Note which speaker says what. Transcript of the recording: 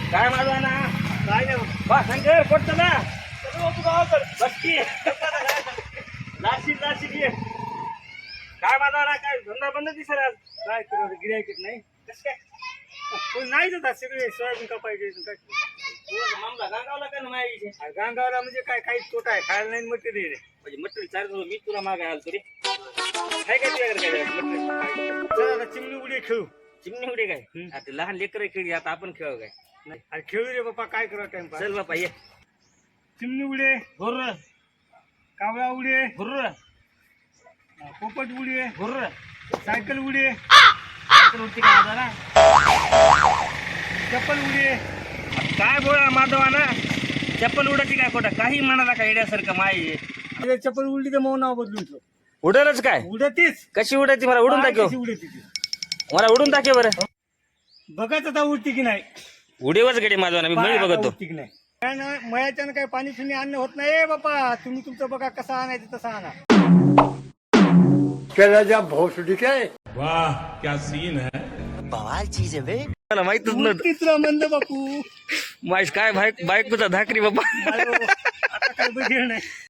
Speaker 1: काय माझा ना काय नाही बा शंकर कोणतं ना बसकी नाशिक ये काय माझा ना काय धंदा बंद दिसेल आज काय करत गिऱ्हाईक नाही कसं काय नाही जातात सगळे सोयाबीन कापायचे काय मामला गांगावला का ना माझ्या गांगावला म्हणजे काय काही तोटा आहे खायला नाही मटेरियल म्हणजे मटेरियल चालू मी तुला मागे आलो तरी काय काय तुझ्याकडे काय चिमणी उडी खेळू चिमणी उडी काय आता लहान लेकर खेळी आता आपण खेळू काय नाही अरे खेळू रे बाप्पा काय करा टाइमपास चल बापा ये चिमणी उडे भुर्र कावळा उडे भुर्र पोपट उडे भुर्र सायकल उडे सायकल उडती का माझा ना चप्पल उडे काय बोला माधवा ना चप्पल उडायची काय खोटा काही म्हणाला का येण्यासारखं माय चप्पल उडली तर मग नाव बदलून उडलच काय उडतीच कशी उडायची मला उडून दाखव उडती मला उडून दाखव बरं बघत आता उडती की नाही उडीवच गडी माझा ना मी मळी बघतो की नाही काय ना मयाच्यानं काय पाणी फिरणी आणणं होत नाही बापा तुम्ही तुमचं बघा कसं आणायचं तसं आणा
Speaker 2: क्या भोसडी काय
Speaker 3: वाह क्या सीन है
Speaker 4: बवाल चीज है बे
Speaker 1: मला माहितच नव्हतं
Speaker 4: तुला म्हणलं बापू
Speaker 1: माझ काय बायकोचा धाकरी बाबा
Speaker 4: आता काय बघेल नाही